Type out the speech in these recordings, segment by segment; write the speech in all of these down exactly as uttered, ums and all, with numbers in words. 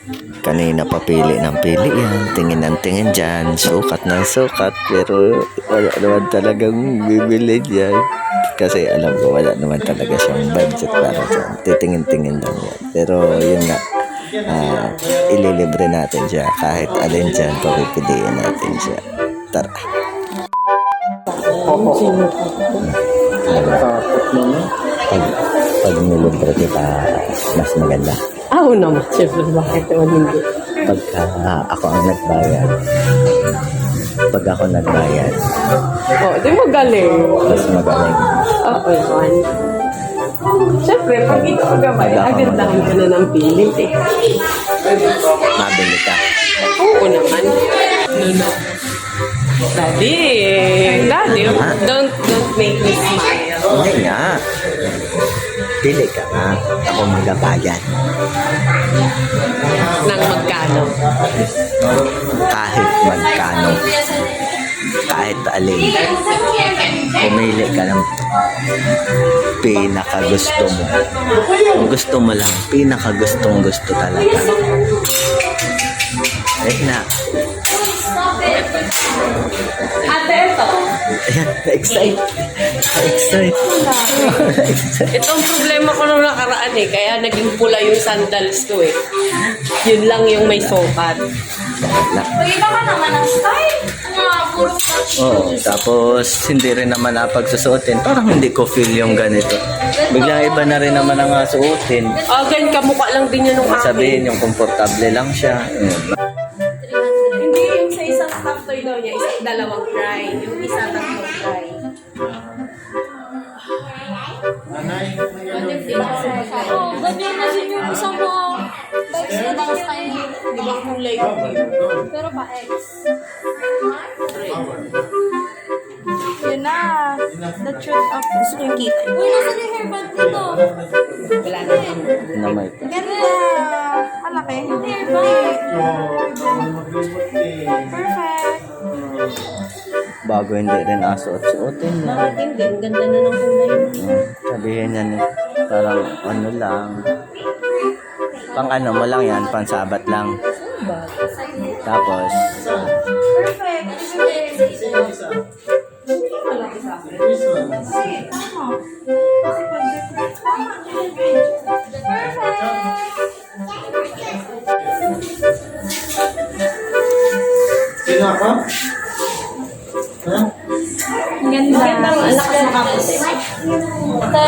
Kanina papili ng pili yan, tingin ng tingin dyan, sukat ng sukat, pero wala naman talagang bibili dyan. Kasi alam ko wala naman talaga siyang budget para dyan. Titingin-tingin lang yan. Pero yun nga, uh, ililibre natin siya. Kahit alin dyan, papipiliin natin siya. Tara. Pag, pag nilibre kita, mas maganda. Ah, oo naman. Siyempre, bakit naman hindi? Pagka ako ang nagbayad, pag ako nagbayad, Oh, di mo galing. mas magaling. Oo naman. Siyempre, pag ikaw gabay, agandahan ka na ng pilit eh. Mabili ka. Oo naman. No, no. Daddy, Daddy, don't, don't make me smile. Hindi nga. Pili ka nga. Ako magbabayad. Nang magkano? Kahit magkano. Kahit alin. Pumili ka ng pinakagusto mo. Gusto mo lang. Pinakagustong gusto talaga. Eh na. Ate, ito. Ayan, na-excite. Na-excite. Ito ang problema ko nung nakaraan eh. Kaya naging pula yung sandals ko eh. Yun lang yung may sokat. Pag-iba ka naman ang style. Ano nga, puro touch. Oo, tapos hindi rin naman napagsusuotin. Parang hindi ko feel yung ganito. Biglang iba na rin naman ang suotin. Ah, ganyan kamukha lang din yun nung akin. Sabihin yung komportable lang siya. Ayun. Hindi, yung sa isang stuff toy daw niya, isa, dalawang fry. Yung isa, tatlong fry. Oo, ganyan na din yung isang mga bags na bang style. Di ba kulay ko? Pero pa X. Yun na. The truth of... Gusto ko yung kita. Uy, nasa yung hairband dito? Wala na. Na may Ganda. Malaki. Hairband. Perfect. bago hindi rin asuot-suotin niya. Bakit hindi? Ang ganda na ng kulay mo. Hmm, sabihin niya ni parang ano lang. Pang ano mo lang yan, pang sabat lang. Tapos, Perfect. Sino ako? Ha? Ganda. Maganda ang anak sa kaputi. Ate.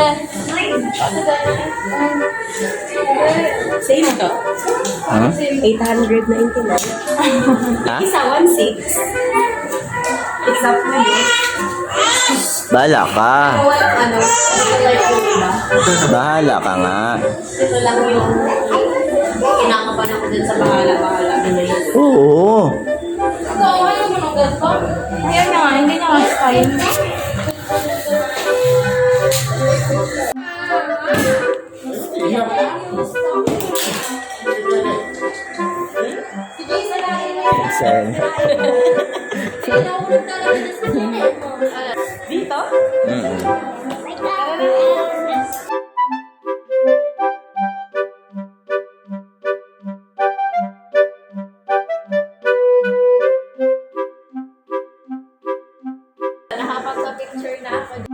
Same to. huh? eight ninety-nine. Ha? Isa, one six. It's up to you. Bahala ka. Walang ano, like yung iba. Bahala ka nga. Ito lang yung kinakapan ako dun sa bahala-bahala. Ano yun? Oo. Ikaw, ayaw mo nung ganito? Ayaw niya nga, hindi niya nga style. Sen. Dito? Mm. Nakapag sa picture na ako.